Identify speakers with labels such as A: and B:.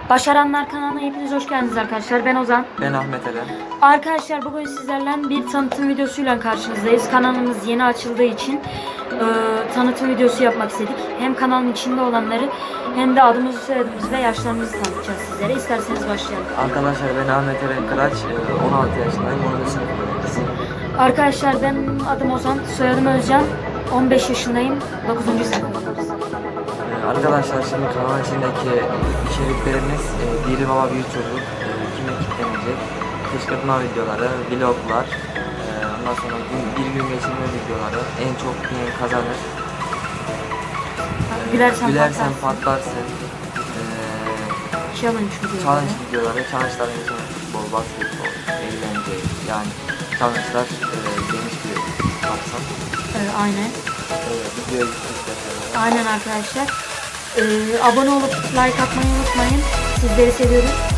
A: Başaranlar kanalına hepiniz hoş geldiniz arkadaşlar. Ben Ozan.
B: Ben Ahmet Eren.
A: Arkadaşlar bugün sizlerle bir tanıtım videosuyla karşınızdayız. Kanalımız yeni açıldığı için tanıtım videosu yapmak istedik. Hem kanalın içinde olanları hem de adımızı, soyadımızı ve yaşlarımızı tanıtacağız sizlere. İsterseniz başlayalım.
B: Arkadaşlar ben Ahmet Eren Kıraç, 16 yaşındayım, 10. sınıf öğrencisiyim.
A: Arkadaşlar ben adım Ozan, soyadım Özcan. 15 yaşındayım, 9. sınıf öğrencisiyim.
B: Arkadaşlar şimdi kanalın içindeki içeriklerimiz biri baba bir çocuk, kime kitlenecek, kışkırtma videoları, vloglar, ondan sonra bir gün geçirme videoları, en çok bilen kazanır, gülersen patlarsın,
A: Challenge videoları.
B: challenge videoları, challenge'lar mesela futbol, basketbol, eğlence, yani challenge'lar geniş bir kapsam.
A: Aynen.
B: Videoya gittik.
A: Aynen arkadaşlar. Abone olup like atmayı unutmayın. Sizleri seviyoruz.